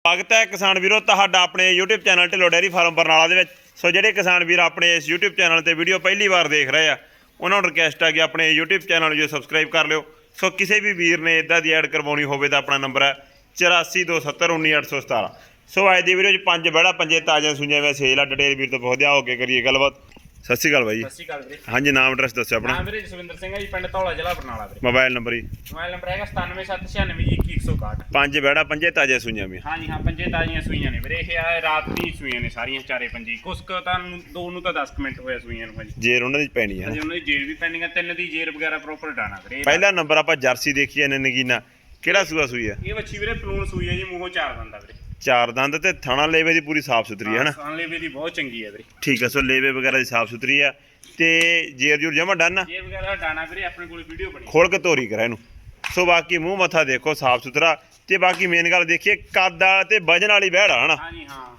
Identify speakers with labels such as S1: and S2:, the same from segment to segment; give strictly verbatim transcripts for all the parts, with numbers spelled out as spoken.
S1: स्वागत है किसान वीरों तुहाडा अपने YouTube channel Dhillon dairy farm Barnala दे विच। सो जिहड़े किसान वीर अपने इस यूट्यूब चैनल ते वीडियो पहली बार देख रहे हैं उन्होंने रिक्वेस्ट है कि अपने यूट्यूब चैनल जो सबसक्राइब कर लियो। सो किसी भी वीर ने इदा दी ऐड करवानी होवे तां अपना नंबर है चौरासी दो सत्तर उन्नी अठ सौ सतारह। सो अज की वीडियो पंज बड़ा पंजे ताज़ा सुइयां वे सेल आ डिटेल वीर तो बहुत हो के करिए गलबात। सत श्री अकाल भाई।
S2: सत श्री अकाल वीरे।
S1: हाँ जी नाम एड्रैस दस्सो अपना।
S2: नाम वीरे जसविंदर सिंह है जी, पिंड धौला जिला बरनाला वीरे।
S1: मोबाइल नंबर जी
S2: मोबाइल नंबर है सतानवे सत्त छियानवे जी इक्की एक सौ इकाहठ।
S1: पंज बड़ा पंजे ताज़ा सुइयां भी।
S2: हाँ जी हाँ पंजे ताज़ियां सूइयां ने वीरे। ये आ रात दी सूइयां ने सारियां चारे पंजी। कुछ क तां दो नूं तां दस मिनट होया सूइयां नूं जी।
S1: जेर उन्हां दी पैनी है।
S2: अजे उन्हां दी जेर भी पैंडिंग है, तीन दी जेर वगैरह प्रॉपर डाना वीरे।
S1: पहला नंबर आपां जर्सी देखी ने नगीना किहड़ा सूआ सूई है?
S2: ये बच्ची वीरे पलून सूई है जी, मूंहों चार दंदा वीरे।
S1: चार दंद ते थाना लेवे दी पूरी साफ सुथरी है ना।
S2: हाँ लेवे दी बहुत चंगी है वीरे।
S1: ठीक है। सो लेवे वगैरह दी साफ सुथरी है ते जेर जूर जमा डन है।
S2: जेर वगैरह डाना वीरे अपने कोल वीडियो बनी
S1: खोल के धोरी करा इनू। सो बाकी मूँह मत्था देखो साफ सुथरा ते बाकी मेन गल देखिए कद वाला ते वजन वाली बैड़ है ना।
S2: हाँ जी हाँ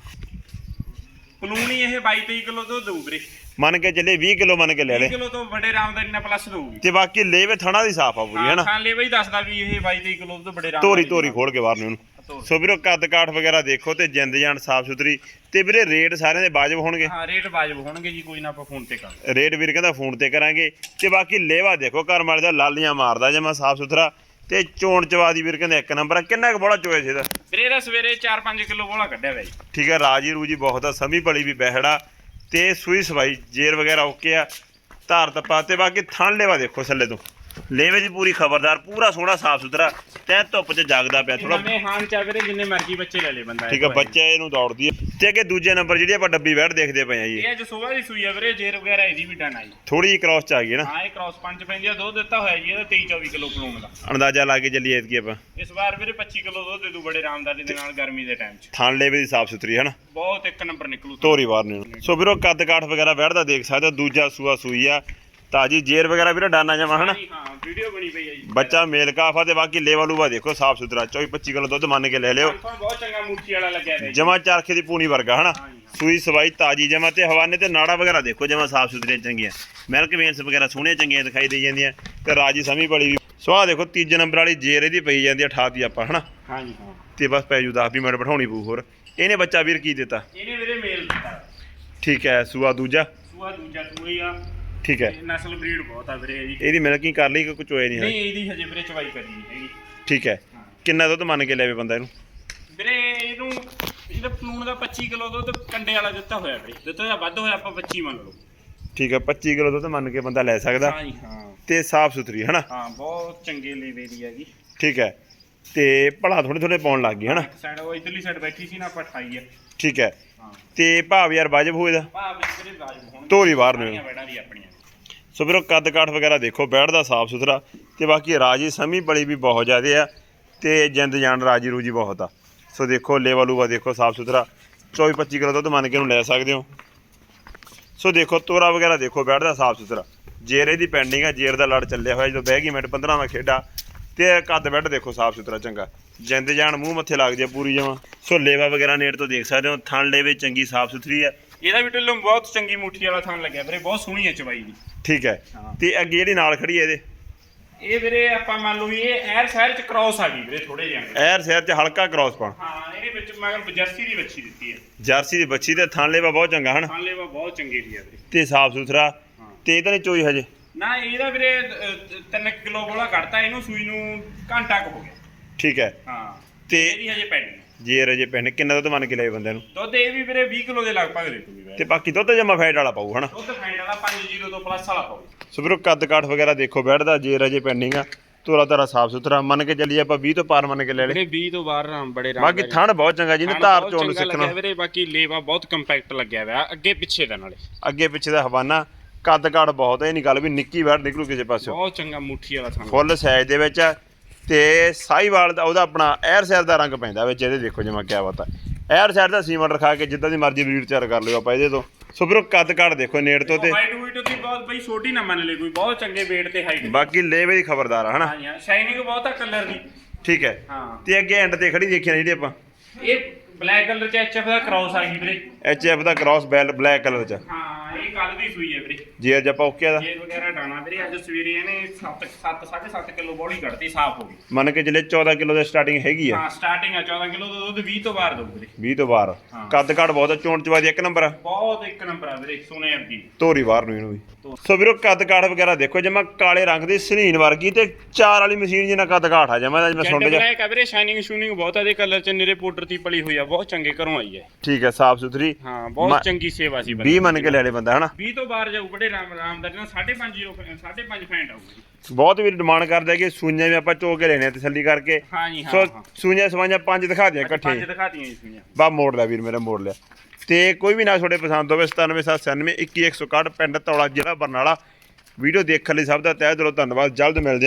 S2: पलून ही ये बाईस तेईस किलो तो दू वीरे।
S1: मन के चले बीस किलो मन के ले ले
S2: किलो तो बड़े रामदारी ना प्लस दूगी।
S1: ते बाकी लेवे थाना दी साफ आ पूरी है ना।
S2: हाँ लेवे ही दसदा भी ये बाईस तेईस किलो तो बड़े राम
S1: धोरी धोरी खोल के बाहर ने
S2: ਧੋਰੀ।
S1: सो ਵੀਰੋ कद काठ वगैरह देखो ते जिंद जान साफ सुथरी ते ਵੀਰੇ रेट सारे दे वाजिब होणगे।
S2: हाँ रेट वाजिब होणगे जी, कोई ना ਆਪਾਂ ਫੋਨ ਤੇ ਕਰ
S1: रेट ਵੀਰ ਕਹਿੰਦਾ ਫੋਨ ਤੇ ਕਰਾਂਗੇ ਤੇ ਬਾਕੀ ਲੇਵਾ ਦੇਖੋ ਘਰ ਵਾਲੇ ਦਾ ਲਾਲੀਆਂ ਮਾਰਦਾ ਜਮਾ ਸਾਫ ਸੁਥਰਾ ਤੇ ਚੋਣ ਚਵਾਦੀ ਵੀਰ ਕਹਿੰਦੇ ਇੱਕ ਨੰਬਰ ਆ। ਕਿੰਨਾ ਕੁ ਬੋਲਾ ਚੋਏ ਸੀ ਇਹਦਾ?
S2: ਵੀਰੇ ਦਾ ਸਵੇਰੇ ਚਾਰ ਪੰਜ ਕਿਲੋ ਬੋਲਾ ਕੱਢਿਆ ਵੇ ਜੀ।
S1: ਠੀਕ ਹੈ। ਰਾਜੀ ਰੂਜੀ ਬਹੁਤ ਆ, ਸਮੀ ਭਲੀ ਵੀ ਬਹਿੜਾ ਤੇ ਸੂਈ ਸਵਾਈ ਜੇਰ ਵਗੈਰਾ ਓਕੇ ਆ। ਧਾਰ ਤਪਾ ਤੇ ਬਾਕੀ ਥਣ ਲੇਵਾ ਦੇਖੋ ਥੱਲੇ ਤੋਂ ਲੇਵੇ ਦੀ ਪੂਰੀ ਖਬਰਦਾਰ ਪੂਰਾ ਸੋਹਣਾ ਸਾਫ ਸੁਥਰਾ ਤੈ ਧੁੱਪ 'ਚ ਜਾਗਦਾ ਪਿਆ ਥੋੜਾ।
S2: ਨਵੇਂ ਹਾਨ ਚਾ ਵੀਰੇ ਜਿੰਨੇ ਮਰਜ਼ੀ ਬੱਚੇ ਲੈ ਲੈ ਬੰਦਾ।
S1: ਠੀਕ ਹੈ। ਬੱਚੇ ਇਹਨੂੰ ਦੌੜਦੀ ਹੈ ਤੇ ਅੱਗੇ ਦੂਜੇ ਨੰਬਰ ਜਿਹੜੀ ਆਪਾਂ ਡੱਬੀ ਬੈਠ ਦੇਖਦੇ ਪਏ ਆ ਜੀ,
S2: ਇਹ ਅੱਜ ਸਵੇਰ ਦੀ ਸੂਈ ਆ ਵੀਰੇ। ਜੇਰ ਵਗੈਰਾ ਇਹਦੀ ਵੀ ਡਨ ਆਈ।
S1: ਥੋੜੀ ਜਿਹੀ ਕ੍ਰਾਸ 'ਚ ਆ ਗਈ ਨਾ।
S2: ਹਾਂ ਇਹ ਕ੍ਰਾਸ ਪੰਜ ਪੈਂਦੀ ਆ। ਦੁੱਧ ਦਿੱਤਾ ਹੋਇਆ ਜੀ ਇਹਦਾ ਤੇਈ ਚੌਵੀ ਕਿਲੋ ਪਲੂਣ ਦਾ
S1: ਅੰਦਾਜ਼ਾ ਲਾ ਕੇ ਚੱਲੀਏ ਐਤਕੀ ਆਪਾਂ।
S2: ਇਸ ਵਾਰ ਵੀਰੇ ਪੱਚੀ ਕਿਲੋ ਦੁੱਧ ਦੇ ਦੂ ਬੜੇ ਰਾਮਦਾਰੀ ਦੇ ਨਾਲ ਗਰਮੀ ਦੇ ਟਾਈਮ 'ਚ।
S1: ਥਣ ਲੇਵੇ ਦੀ ਸਾਫ ਸੁਥਰੀ ਹੈ ਨਾ,
S2: ਬਹੁਤ ਇੱਕ ਨੰਬਰ ਨਿਕਲੂ
S1: ਧੋਰੀ ਬਾਹਰ ਨੇ। ਸੋ ਵੀਰੋ ਕੱਦ ਕਾਠ ਵਗੈਰਾ ਬੈਠਦਾ ਦੇਖ ਸਕਦੇ ਹੋ। ਦੂਜਾ ਸੂਆ ਸੂਈ ਆ ਤਾਜੀ ਜੇਰ ਵਗੈਰਾ ਵੀਰੇ ਡਾਨਾ ਜਮਾ ਹਨਾ।
S2: ਹਾਂ ਵੀਡੀਓ ਬਣੀ ਪਈ ਹੈ ਜੀ।
S1: ਬੱਚਾ ਮੇਲ ਕਾਫਾ ਤੇ ਬਾਕੀ ਲੇਵਾ ਲੂਵਾ ਦੇਖੋ ਸਾਫ ਸੁਥਰਾ ਚੌਵੀ ਪੱਚੀ ਕਿਲੋ ਦੁੱਧ ਮੰਨ ਕੇ ਲੈ ਲਿਓ।
S2: ਬਹੁਤ ਚੰਗਾ ਮੂਠੀ ਵਾਲਾ ਲੱਗਿਆ ਹੈ
S1: ਜਮਾ ਚਰਖੇ ਦੀ ਪੂਣੀ ਵਰਗਾ ਹਨਾ। ਸੂਈ ਸਵਾਈ ਤਾਜੀ ਜਮਾ ਤੇ ਹਵਾਨੇ ਤੇ ਨਾੜਾ ਵਗੈਰਾ ਦੇਖੋ ਜਮਾ ਸਾਫ ਸੁਥਰੀਆਂ ਚੰਗੀਆਂ। ਮਿਲਕ ਵੇਨਸ ਵਗੈਰਾ ਸੋਹਣੀਆਂ ਚੰਗੀਆਂ ਦਿਖਾਈ ਦੇ ਜਾਂਦੀਆਂ ਤੇ ਰਾਜੀ ਸਮੀ ਬੜੀ ਵੀ। ਸੋ ਆਹ ਦੇਖੋ ਤੀਜੇ ਨੰਬਰ ਵਾਲੀ ਜੇਰ ਇਹਦੀ ਪਈ ਜਾਂਦੀ ਆ ਅਠਾਤੀ ਆਪਾਂ ਹਨਾ।
S2: ਹਾਂਜੀ ਹਾਂ
S1: ਤੇ ਬਸ ਪੈ ਜੂ ਦਸ ਵੀਹ ਮਿੰਟ ਬਿਠਾਉਣੀ ਪਊ। ਹੋਰ ਇਹਨੇ ਬੱਚਾ ਵੀਰ ਕੀ ਦਿੱਤਾ?
S2: ਇਹਨੇ ਵੀਰੇ ਮੇਲ ਦਿੱਤਾ।
S1: ਠੀਕ ਹੈ। ਸੂਆ ਦੂਜਾ
S2: ਸੂਆ ਦੂਜਾ ਸੂਈ ਆ।
S1: ਠੀਕ ਹੈ।
S2: ਨਸਲ ਬਰੀਡ ਬਹੁਤ ਆ ਵੀਰੇ ਜੀ।
S1: ਇਹਦੀ ਮਿਲਕਿੰਗ ਕਰ ਲਈ ਕਿ ਕੁਝ ਹੋਇਆ ਨਹੀਂ ਹੈ?
S2: ਨਹੀਂ ਇਹਦੀ ਹਜੇ ਵੀਰੇ ਚਵਾਈ ਕਰੀ ਨਹੀਂ ਹੈਗੀ।
S1: ਠੀਕ ਹੈ। ਕਿੰਨਾ ਦੁੱਧ ਮੰਨ ਕੇ ਲੈਵੇ ਬੰਦਾ ਇਹਨੂੰ?
S2: ਵੀਰੇ ਇਹਨੂੰ ਇਹਦਾ ਪਲੂਣ ਦਾ ਪੱਚੀ ਕਿਲੋ ਦੁੱਧ ਕੰਡੇ ਵਾਲਾ ਦਿੱਤਾ ਹੋਇਆ ਵੀਰੇ। ਦਿੱਤਾ ਦਾ ਵੱਧ ਹੋਇਆ ਆਪਾਂ ਪੱਚੀ ਮੰਨ ਲਓ।
S1: ਠੀਕ ਹੈ। ਪੱਚੀ ਕਿਲੋ ਦੁੱਧ ਮੰਨ ਕੇ ਬੰਦਾ ਲੈ ਸਕਦਾ।
S2: ਹਾਂ ਜੀ ਹਾਂ
S1: ਤੇ ਸਾਫ ਸੁਥਰੀ ਹਨਾ।
S2: ਹਾਂ ਬਹੁਤ ਚੰਗੇ ਲੇਵੇ ਦੀ ਹੈਗੀ।
S1: ਠੀਕ ਹੈ। ਤੇ ਭਲਾ ਥੋੜੇ ਥੋੜੇ ਪਾਉਣ ਲੱਗ ਗਈ ਹਨਾ।
S2: ਸਾਈਡ ਉਹ ਇਧਰਲੀ ਸਾਈਡ ਬੈਠੀ ਸੀ ਨਾ ਆਪਾਂ ਅਠਾਈ ਆ।
S1: ਠੀਕ ਹੈ।
S2: ਹਾਂ
S1: ਤੇ ਭਾਵ ਯਾਰ ਵਾਜਬ ਹੋਏ ਦਾ
S2: ਭਾਅ ਵਿੱਚ ਵੀਰੇ ਵਾਜਬ ਹੋਣ।
S1: ਧੋਰੀ ਬਾਹਰ ਨੇ
S2: ਬੈਠਾਂ ਦੀ ਆਪਣੀਆਂ।
S1: ਸੋ ਵੀਰੋ ਕੱਦ ਕਾਠ ਵਗੈਰਾ ਦੇਖੋ ਬੈਠਦਾ ਸਾਫ ਸੁਥਰਾ ਤੇ ਬਾਕੀ ਰਾਜੀ ਸਮੀ ਬੜੀ ਵੀ ਬਹੁਤ ਜ਼ਿਆਦੇ ਆ ਤੇ ਜਿੰਦ ਜਾਨ ਰਾਜੀ ਰੂਜੀ ਬਹੁਤ ਆ। ਸੋ ਦੇਖੋ ਲੇਵਾ ਲੂਵਾ ਦੇਖੋ ਸਾਫ ਸੁਥਰਾ ਚੌਵੀ ਪੱਚੀ ਕਿਲੋ ਦੁੱਧ ਮੰਨ ਕੇ ਇਹਨੂੰ ਲੈ ਸਕਦੇ ਹੋ। ਸੋ ਦੇਖੋ ਤੋਰਾ ਵਗੈਰਾ ਦੇਖੋ ਬੈਠਦਾ ਸਾਫ ਸੁਥਰਾ। ਜੇਰ ਇਹਦੀ ਪੈਂਡਿੰਗ ਆ, ਜੇਰ ਦਾ ਲੜ ਚੱਲਿਆ ਹੋਇਆ ਜਦੋਂ ਬਹਿ ਗਈ ਮਿੰਟ ਪੰਦਰਾਂ ਖੇਡਾ ਤੇ ਕੱਦ ਬੈੱਡ ਦੇਖੋ ਸਾਫ ਸੁਥਰਾ ਚੰਗਾ। ਜਿੰਦ ਜਾਨ ਮੂੰਹ ਮੱਥੇ ਲੱਗਦੀ ਆ ਪੂਰੀ ਜਮਾਂ। ਸੋ ਲੇਵਾ ਵਗੈਰਾ ਨੇੜ ਤੋਂ ਦੇਖ ਸਕਦੇ ਹੋ। ਥਣ ਲੇਵੇ ਚੰਗੀ ਸਾਫ ਸੁਥਰੀ ਆ।
S2: ਇਹਦਾ ਵੀ ਢਿੱਲੋਂ ਬਹੁਤ ਚੰਗੀ ਮੁੱਠੀ ਵਾਲਾ ਥਣ ਲੱਗਿਆ ਵੀਰੇ। ਬਹੁਤ ਸੋਹਣੀ ਹੈ ਚਵਾਈ ਦੀ।
S1: ਠੀਕ ਹੈ। ਤੇ ਅੱਗੇ ਜਿਹੜੀ ਨਾਲ ਖੜੀ ਹੈ ਇਹਦੇ
S2: ਇਹ ਵੀਰੇ ਆਪਾਂ ਮੰਨ ਲਓ ਵੀ ਇਹ ਐਰ ਸ਼ਹਿਰ ਚ ਕ੍ਰਾਸ ਆ ਗਈ ਵੀਰੇ ਥੋੜੇ ਜਿਹਾ।
S1: ਐਰ ਸ਼ਹਿਰ ਚ ਹਲਕਾ ਕ੍ਰਾਸ ਪਾਉਣ।
S2: ਹਾਂ ਇਹਦੇ ਵਿੱਚ ਮਗਰ ਜਰਸੀ ਦੀ ਬੱਚੀ ਦਿੱਤੀ ਹੈ।
S1: ਜਰਸੀ ਦੀ ਬੱਚੀ ਤੇ ਥਣ ਲੇਵਾ ਬਹੁਤ ਚੰਗਾ ਹਨ।
S2: ਥਣ ਲੇਵਾ ਬਹੁਤ ਚੰਗੀ ਦੀ ਹੈ ਵੀਰੇ
S1: ਤੇ ਸਾਫ ਸੁਥਰਾ ਤੇ ਇਹਦਾ ਨਹੀਂ ਚੋਈ ਹਜੇ
S2: ਨਾ। ਇਹਦਾ ਵੀਰੇ ਤਿੰਨ ਕਿਲੋ ਬੋਲਾ ਕੱਢਤਾ ਇਹਨੂੰ ਸੂਈ ਨੂੰ ਘੰਟਾ ਕੁ ਹੋ ਗਿਆ।
S1: ਠੀਕ ਹੈ।
S2: ਹਾਂ
S1: ਤੇ
S2: ਇਹਦੀ ਹਜੇ ਪੈਣੀ
S1: ਜੇਰ ਹਜੇ ਪੈਣ ਕਿੰਨਾ ਦੁੱਧ ਮੰਨ ਕੇ ਲਏ ਬੰਦੇ ਨੂੰ?
S2: ਦੁੱਧ ਇਹ ਵੀ ਵੀਰੇ ਵੀਹ ਕਿਲੋ ਦੇ ਲਗਭਗ ਦੇ ਦੂਗੀ ਵੀਰੇ।
S1: ਤੇ ਬਾਕੀ ਦੁੱਧ ਜਮਾ ਫੈਟ ਵਾਲਾ ਪਾਊ ਹਨਾ।
S2: ਦੁੱਧ ਫੈਂਡ ਵਾਲਾ ਪੰਜ ਜ਼ੀਰੋ ਤੋਂ ਪਲੱਸ ਵਾਲਾ ਪਾਊ।
S1: ਸੋ ਵੀਰੋ ਕੱਦ ਕਾਠ ਵਗੈਰਾ ਦੇਖੋ ਬੈਠਦਾ ਜੇਰ ਹਜੇ ਪੈਂਡਿੰਗ ਆ। ਤੋਰਾ ਤਾਰਾ ਸਾਫ ਸੁਥਰਾ ਮੰਨ ਕੇ ਚੱਲੀਏ ਆਪਾਂ ਵੀਹ ਤੋਂ ਪਾਰ ਮੰਨ ਕੇ ਲੈ ਲੈ।
S2: ਵੀਰੇ ਵੀਹ ਤੋਂ ਬਾਹਰ ਰਾਮ ਬੜੇ ਰਾਮ
S1: ਬਾਕੀ ਥਣ ਬਹੁਤ ਚੰਗਾ ਜਿਹਨੇ ਧਾਰ ਚੋਣ ਸਿੱਖਣਾ
S2: ਵੀਰੇ। ਬਾਕੀ ਲੇਵਾ ਬਹੁਤ ਕੰਪੈਕਟ ਲੱਗਿਆ ਹੋਇਆ ਅੱਗੇ ਪਿੱਛੇ ਦਾ ਨਾਲੇ।
S1: ਅੱਗੇ ਪਿੱਛੇ ਦਾ ਹਵਾਨਾ ਕੱਦ ਕਾਠ ਬਹੁਤ ਹੈ। ਇਹ ਨਹੀਂ ਗੱਲ ਵੀ ਨਿੱਕੀ ਬੈਠ ਨਿਕਲੂ ਕਿਸੇ ਪਾਸੋਂ।
S2: ਬਹੁਤ ਚੰਗਾ ਮੁੱਠੀ ਵਾਲਾ ਥਣ
S1: ਫੁੱਲ ਸਾਈਜ਼ ਦੇ ਵਿੱਚ ਤੇ ਸਾਈਵਾਲ ਦਾ ਉਹਦਾ ਆਪਣਾ ਐਰ ਸ਼ਹਿਰ ਦਾ ਰੰਗ ਪੈਂਦਾ ਵਿੱਚ ਇਹਦੇ। ਦੇਖੋ ਜਿਵੇਂ ਕਿਆ ਬਾਤ ਹੈ। ਐਰ ਸ਼ਹਿਰ ਦਾ ਸੀਮੈਂਟ ਰਖਾ ਕੇ ਜਿੱਦਾਂ ਦੀ ਮਰਜ਼ੀ ਬਰੀਡ ਤਿਆਰ ਕਰ ਲਿਓ ਆਪਾਂ ਇਹਦੇ ਤੋਂ। ਸੋ ਵੀਰੋ ਕੱਦ ਕਾਠ ਦੇਖੋ ਨੇੜ ਤੋਂ ਤੇ
S2: ਹਾਈਟ ਹੂਟ ਦੀ ਬਹੁਤ ਬਈ ਛੋਟੀ ਨਾ ਮੰਨ ਲੈ ਕੋਈ। ਬਹੁਤ ਚੰਗੇ weight ਤੇ ਹਾਈਟ।
S1: ਬਾਕੀ ਲੇਵੇ ਦੀ ਖਬਰਦਾਰ ਆ ਹਨਾ।
S2: ਹਾਂ ਹਾਂ ਸ਼ਾਈਨਿੰਗ ਬਹੁਤ ਆ ਕਲਰ ਦੀ।
S1: ਠੀਕ ਹੈ।
S2: ਹਾਂ
S1: ਤੇ ਅੱਗੇ ਐਂਡ ਤੇ ਖੜੀ ਦੇਖਿਆ ਜਿਹੜੀ ਆਪਾਂ
S2: ਇਹ ਬਲੈਕ ਕਲਰ ਚ ਐਚ ਐਫ ਦਾ ਕ੍ਰਾਸ ਆ ਗਈ ਵੀਰੇ।
S1: ਐਚ ਐਫ ਦਾ ਕ੍ਰਾਸ ਬੈਲ ਬਲੈਕ ਕਲਰ ਚ।
S2: ਹਾਂ ਇਹ ਕੱਲ ਦੀ ਸੂਈ ਹੈ ਵੀਰੇ
S1: ਜੇ ਅੱਜ ਆਪਾਂ ਓਕੇ ਦਾ
S2: ਜੇ ਵਗੈਰਾ ਡਾਣਾ ਵੀਰੇ ਅੱਜ ਸਵੇਰੇ ਇਹਨੇ ਸੱਤ ਸੱਤ ਸਾਢੇ ਸੱਤ ਕਿਲੋ ਬੋਲੀ ਕੱਢਤੀ ਸਾਫ਼ ਹੋ ਗਈ
S1: ਮੰਨ ਕੇ ਚੱਲੇ ਚੌਦਾਂ ਕਿਲੋ ਦੀ ਸਟਾਰਟਿੰਗ ਹੈਗੀ ਆ
S2: ਹਾਂ ਸਟਾਰਟਿੰਗ ਆ ਚੌਦਾਂ ਕਿਲੋ ਦਾ ਦੁੱਧ ਵੀਹ ਤੋਂ ਬਾਹਰ ਦਊ ਵੀਰੇ
S1: ਵੀਹ ਤੋਂ ਬਾਹਰ
S2: ਹਾਂ।
S1: ਕੱਦ ਕਾਠ ਬਹੁਤ ਆ, ਚੋਣ ਚਵਾਦੀ ਇੱਕ ਨੰਬਰ ਆ,
S2: ਬਹੁਤ ਇੱਕ ਨੰਬਰ ਆ ਵੀਰੇ ਸੋਨੇ ਵਰਗੀ
S1: ਧੋਰੀ ਬਾਹਰ ਨੂੰ ਇਹਨੂੰ ਵੀ। ਸੋ ਵੀਰੋ ਕੱਦ ਕਾਠ ਵਗੈਰਾ ਦੇਖੋ ਜਮਾ ਕਾਲੇ ਰੰਗ ਦੀ ਸਨੀਨ ਵਰਗੀ ਤੇ ਚਾਰ ਵਾਲੀ ਮਸ਼ੀਨ ਜਿੰਨਾ ਕੱਦ ਕਾਠ ਆ ਜਮਾ ਜਿਵੇਂ ਸੁੰਡ ਜਾ
S2: ਬਲੈਕ ਆ ਵੀਰੇ ਸ਼ਾਈਨਿੰਗ ਸ਼ੂਨਿੰਗ ਬਹੁਤ ਆ ਇਹਦੇ ਕਲਰ ਚ ਨਿਰੇ ਪਾਊਡਰ ਦੀ ਪਲੀ ਹੋਈ ਆ ਬਹੁਤ ਚੰਗੇ ਘਰੋਂ ਆਈ ਹੈ
S1: ਠੀਕ ਹੈ ਸਾਫ ਸੁਥਰੀ
S2: ਹਾਂ
S1: ਮ-
S2: ਬਹੁਤ ਚੰਗੀ ਸੇਵਾ ਸੀ
S1: ਵੀਹ ਮੰਨ ਕੇ ਲੈ ਲੈ ਬੰਦਾ ਹਨਾ
S2: ਵੀਹ ਤੋਂ ਬਾਹਰ ਜਾਊ ਬੜੇ ਰਾਮ ਰਾਮਦਾਰੀ ਨਾਲ ਸਾਢੇ ਪੰਜ ਜ਼ੀਰੋ ਸਾਢੇ ਪੰਜ ਫੈਂਟ ਆਊਗੀ
S1: ਬਹੁਤ ਵੀਰ ਡਿਮਾਂਡ ਕਰਦਾ ਕਿ ਸੂਈਆਂ ਵੀ ਆਪਾਂ ਚੋ ਕੇ ਲੈਣੇ ਆ ਤਸੱਲੀ ਕਰਕੇ
S2: ਹਾਂ ਜੀ ਹਾਂ
S1: ਸੋ
S2: ਹਾਂ
S1: ਸੂਈਆਂ ਸਵਾਈਆਂ ਪੰਜ ਦਿਖਾ ਦਿਆਂ
S2: ਅੱਜ
S1: ਇਕੱਠੇ
S2: ਪੰਜ ਦਿਖਾਤੀਆਂ ਜੀ ਸੂਈਆਂ
S1: ਬਾ ਮੋੜ ਲਿਆ ਵੀਰ ਮੇਰਾ ਮੋੜ ਲਿਆ ਤੇ ਕੋਈ ਵੀ ਨਾ ਤੁਹਾਡੇ ਪਸੰਦ ਹੋਵੇ ਸਤਾਨਵੇਂ ਸੱਤ ਛਿਆਨਵੇਂ ਇੱਕੀ ਇੱਕ ਸੌ ਇਕੱਠ ਪਿੰਡ ਧੌਲਾ ਜ਼ਿਲ੍ਹਾ ਬਰਨਾਲਾ ਵੀਡੀਓ ਦੇਖਣ ਲਈ ਸਭ ਦਾ ਤਹਿ ਦਿਲੋਂ ਧੰਨਵਾਦ ਜਲਦ ਮਿਲਦੇ